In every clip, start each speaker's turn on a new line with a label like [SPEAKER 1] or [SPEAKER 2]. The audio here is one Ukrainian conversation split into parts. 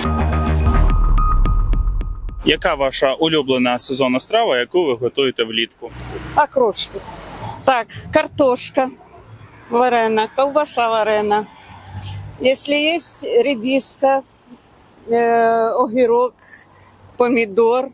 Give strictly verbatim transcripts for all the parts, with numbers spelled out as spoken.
[SPEAKER 1] Яка ваша улюблена сезонна страва, яку ви готуєте влітку?
[SPEAKER 2] Окрошку. Так, картошка варена, колбаса варена. Если есть редиска, э, огірок, помідор,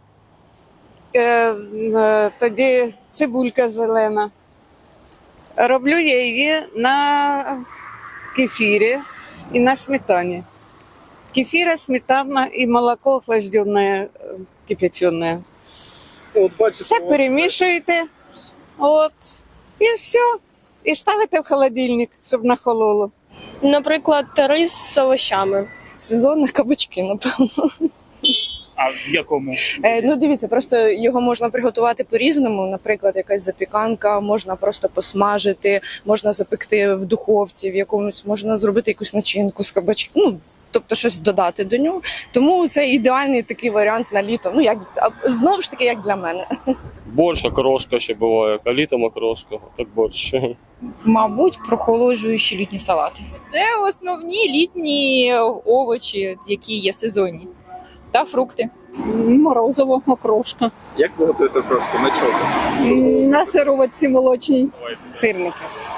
[SPEAKER 2] е, е, тоді цибулька зелена. Роблю я її на кефірі і на сметані. Кефира, сметана и молоко охлажденное, кипяченое.
[SPEAKER 3] От, бачите,
[SPEAKER 2] Все перемішуєте, от, і все. І ставите в холодильник, щоб нахололо.
[SPEAKER 4] Наприклад, рис з овощами.
[SPEAKER 5] Сезонні кабачки, напевно.
[SPEAKER 1] А в якому?
[SPEAKER 5] Е, ну дивіться, просто його можна приготувати по-різному. Наприклад, якась запіканка, можна просто посмажити, можна запекти в духовці, в якомусь можна зробити якусь начинку з кабачків. Ну, тобто щось додати до нього. Тому це ідеальний такий варіант на літо. Ну як а, знову ж таки, як для мене.
[SPEAKER 3] борщ, окрошка ще буває, а літом окрошка, так борщ.
[SPEAKER 6] Мабуть, прохолоджуючі літні салати. Це основні літні овочі, які є сезонні, та фрукти.
[SPEAKER 2] Морозиво, окрошка.
[SPEAKER 3] Як ви готуєте окрошку? На чому?
[SPEAKER 2] На сироватці молочній.
[SPEAKER 7] Сирники.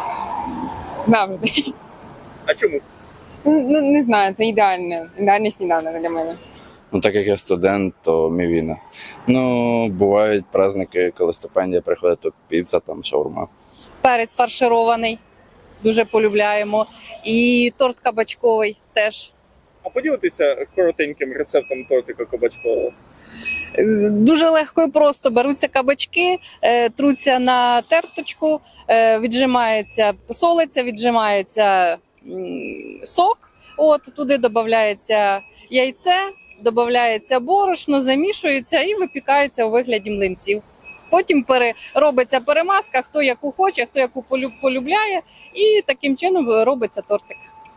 [SPEAKER 7] Завжди.
[SPEAKER 3] А чому?
[SPEAKER 7] Ну, не знаю, це ідеальне, ідеальний сніданок для мене.
[SPEAKER 8] Ну, так як я студент, то мівіна. Ну, бувають праздники, коли стипендія приходить, то піца, там, шаурма.
[SPEAKER 9] Перець фарширований, дуже полюбляємо. І торт кабачковий теж.
[SPEAKER 3] А поділитися коротеньким рецептом тортика кабачкового.
[SPEAKER 9] Е, Дуже легко і просто. Беруться кабачки, е, труться на терточку, е, віджимається, солиться, віджимається м, сок. От, туди додається яйце, додається борошно, замішується і випікається у вигляді млинців. Потім пере, робиться перемазка, хто яку хоче, хто яку полю- полюбляє, і таким чином робиться тортик.